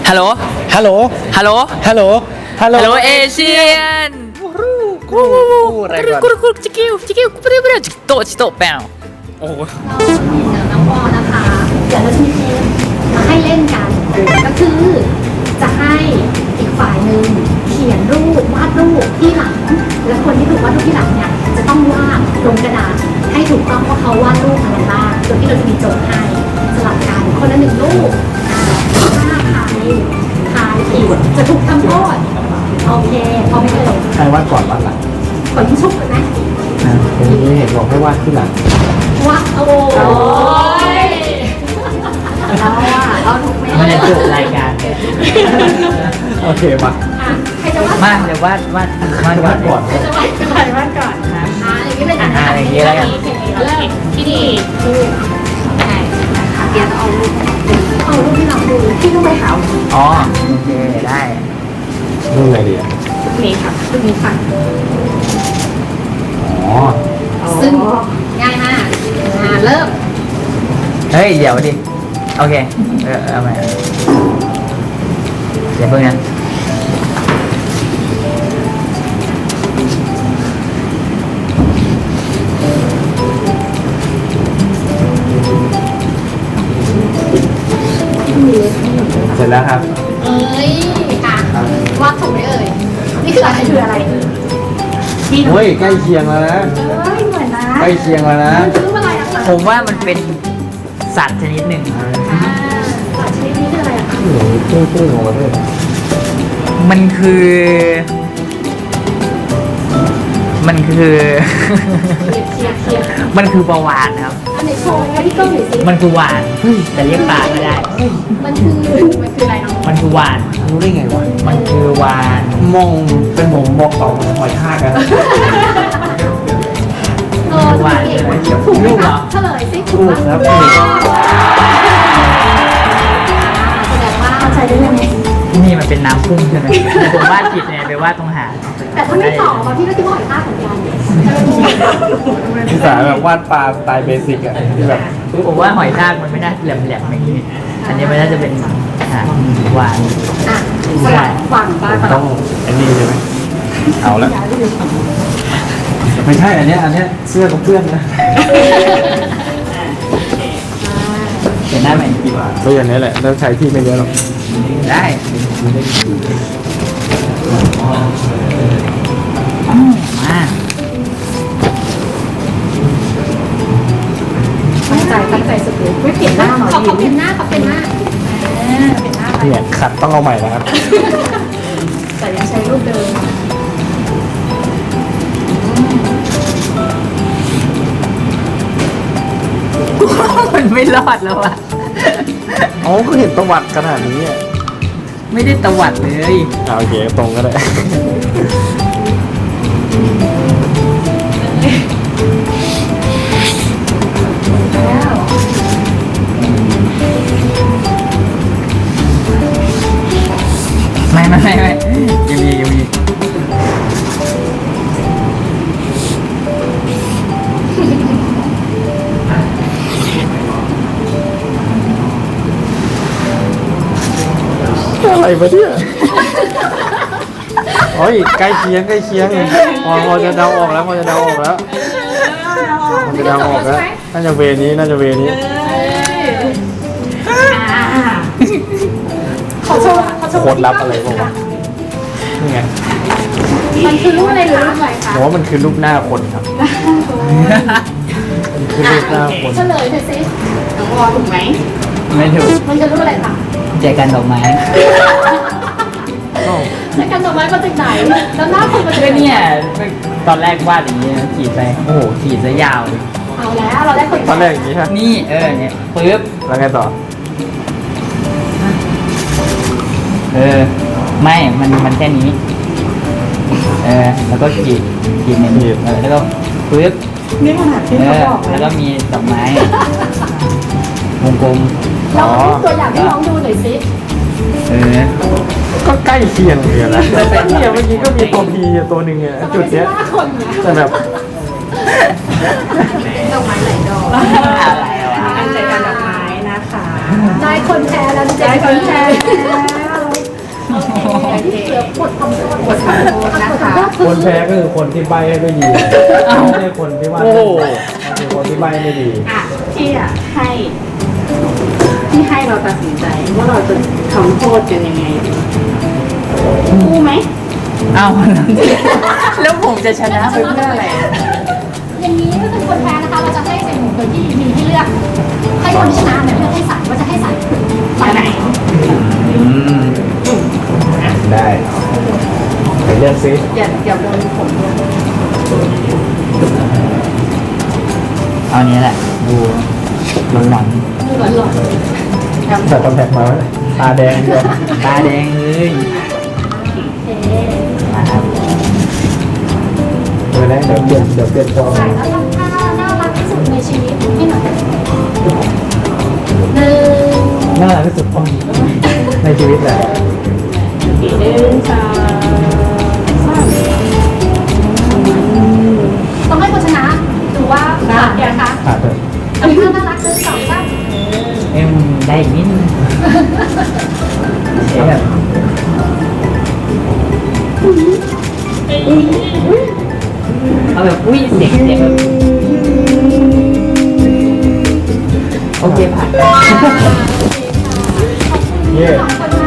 ฮัลโหลฮัลโหลฮัลโหลฮัลโหล ฮัลโหลฮัลโหลเอเชียนกูอะไรก่อนกูจิกิวจิกิวกูเปรี้ยวจิโตจิโตแปวโอ้โหน้องวอนะคะเดี๋ยวเราจะมีเกมมาให้เล่นกัน ก็คือจะให้อีกฝ่ายหนึ่งเขียนรูปวาดรูปที่หลัง และคนที่ถูกวาดรูปที่หลังเนี่ยจะต้องวาดลงกระดาษให้ถูกต้องว่าเขาวาดรูปอะไรบ้างโดยที่เราจะมีโจทย์ให้สลับกันคนละหนึ่งรูปถ้าใครผิดจะถูกทำโทษโอเคพอไม่เอ่ยใครวาดก่อนวาดหลังขอยิ้มชุบกันไหมผมไม่เห็นบอกให้วาดที่หลังว่าโอ้ยเราอะเราถูกไหมมันจะจบรายการโอเคมาใครจะวาดมาเดี๋ยววาดก่อนใครจะวาดก่อนวาดก่อนอย่างนี้เลยนะอย่างนี้แล้วกันเริ่มที่ดีดูใช่นะคะเดี๋ยวเอารูปที่เราดูที่ต้องไปหาอ๋อโอเคได้รูปไหนดีอ่ะรูปนี้ค่ะรูปนี้ค่ะอ๋อซึ่งง่ายมากเริ่มเฮ้ยเดี๋ยวดิโอเคเอาใหม่เดี๋ยวเพิ่งนะเสร็จแล้วครับเอ้ยอ่ะวาดถูกไหมเอ่ยนี่คืออะไรที่เฮ้ยใกล้เคียงแล้วนะเอ้ยเหมือนนะใกล้เคียงแล้วนะมันคือรูปอะไรอะคะผมว่ามันเป็นสัตว์ชนิดหนึ่งสัตว์ชนิดนี้คืออะไรอะคะโอ้โหตื้อๆของประเทศมันคือเคียร์มันคือประวานครับอันไหนโชว์ให้พี่ก้องหน่อยสิมันคือวานแต่เรียกปลาไม่ได้มันคืออะไรน้องมันคือวานรู้ได้ไงวะมันคือวานมองเป็นผมบอกต่อหอยทากกันถูกไหมคะเฉลยสิถูกครับแสดงว่าเข้าใจได้ยังไงที่นี่มันเป็นน้ำพุ่งใช่ไหมแต่ผมวาดผิดเนี่ยไปวาดตรงหางแต่ถ้าไม่ตอบพี่ก็คิดว่าหอยทากเหมือนกันภาษาแบบวาดปลาสไตล์เบสิกอ่ะที่แบบผมว่าหอยทากมันไม่น่าแหลมๆอย่างนี้ อันนี้มันน่าจะเป็นหางวานอ่ะสลับฝั่งบ้างต้องอันนี้ใช่ไหมเอาละไม่ใช่อันเนี้ยเสื้อของเพื่อนนะเห็นหน้าไหมก็อย่างนี้แหละแล้วใช้ที่ไม่เยอะหรอกได้มาตั้งใจสุดเลยไม่เปลี่ยนหน้าหรอเขาเปลี่ยนหน้าเปลี่ยนหน้าไปเนี่ยขัดต้องเอาใหม่นะครับแต่ยังใช้รูปเดิมมันไม่รอดแล้วอะอ๋อก็เห็นตะวัดขนาดนี้อ่ะไม่ได้ตวัดเลยโอเคตรงก็ได้แล้วไม่ยังมีอะไรวะเนี่ยโอ้ยใกล้เคียงพอจะเดาออกแล้วน่าจะเวนี้เขาโชว์โคตรลับอะไรบ้างวะนี่ไงมันคือรูปอะไรคะอะไรคะผมว่ามันคือรูปหน้าคนครับมันคือรูปหน้าคนเฉลยหน่อยสิน้องวอถูกไหมไม่ถูกมันคือรูปอะไรคะใจกันดอกไม้แล้วกันดอกไม้มาจากไหนแล้วหน้าคนมาจากก็ไหนเนี่ยตอนแรกวาดอย่างนี้นะขีดไปโอ้โหขีดซะยาวเลยเอาแล้วเราได้คนตอนแรกอย่างนี้ฮะนี่เนี่ยปึ๊บแล้วไงต่อไม่มันแค่นี้แล้วก็ขีดหนึ่งแล้วก็ปึ๊บนี่ขนาดที่เขาบอกเลแล้ยวก็มีดอกไม้วงกลมเราตัวอย่างให้น้องดูหน่อยสิก็ใกล้เคียงเลยนะเนี่ยเมื่อกี้ก็มีตัวพีตัวหนึ่งเนี่ยจุดเนี้ยหน้าคนเนี่ยแต่แบบดอกไม้หลายดอกอะไรวะการจัดการดอกไม้นะคะได้คนแพ้แล้วได้คนแพ้แล้วบททำโทษบททำโทษนะคะคนแพ้ก็คือคนที่ใบไม่ดีไม่ใช่คนที่ว่าโอ้โหคือคนที่ใบไม่ดีอ่ะพี่อ่ะให้เราตัดสินใจว่าเราจะทำโทษกันยังไงดีคู่ไหมเอาแล้วผมจะชนะไปเพื่ออะไรอย่างนี้ก็คือคนแพ้นะคะ เราจะให้ใส่หมูโดยที่มีให้เลือก ให้คนที่ชนะเนี่ยเลือกให้ใส่ว่าจะให้ใส่ฝ่ายไหนได้ไปเลือกซิอย่าโดนผมด้วยเอาอันนี้แหละ ดูหลอนดูหลอนแต่คอนแทคมาไว้ตาแดงด้วยๆตาแดงเลยๆเอ๊ะมาครับเดี๋ยวเปลี่ยนจอใส่แล้วทำท่าน่ารักที่สุดในชีวิตให้หน่อยหนึ่งน่ารักที่สุดในชีวิตแหละ 1 2 3 ต้องให้คนชนะดูว่าผ่านยังคะขาดเลยทำท่าน่ารักหนึ่งสองสามเอ็มได้อีกนิดนึงเสียแบบเอาแบบอุ้ยเสียงแบบโอเคผ่านขอบคุณที่สองคน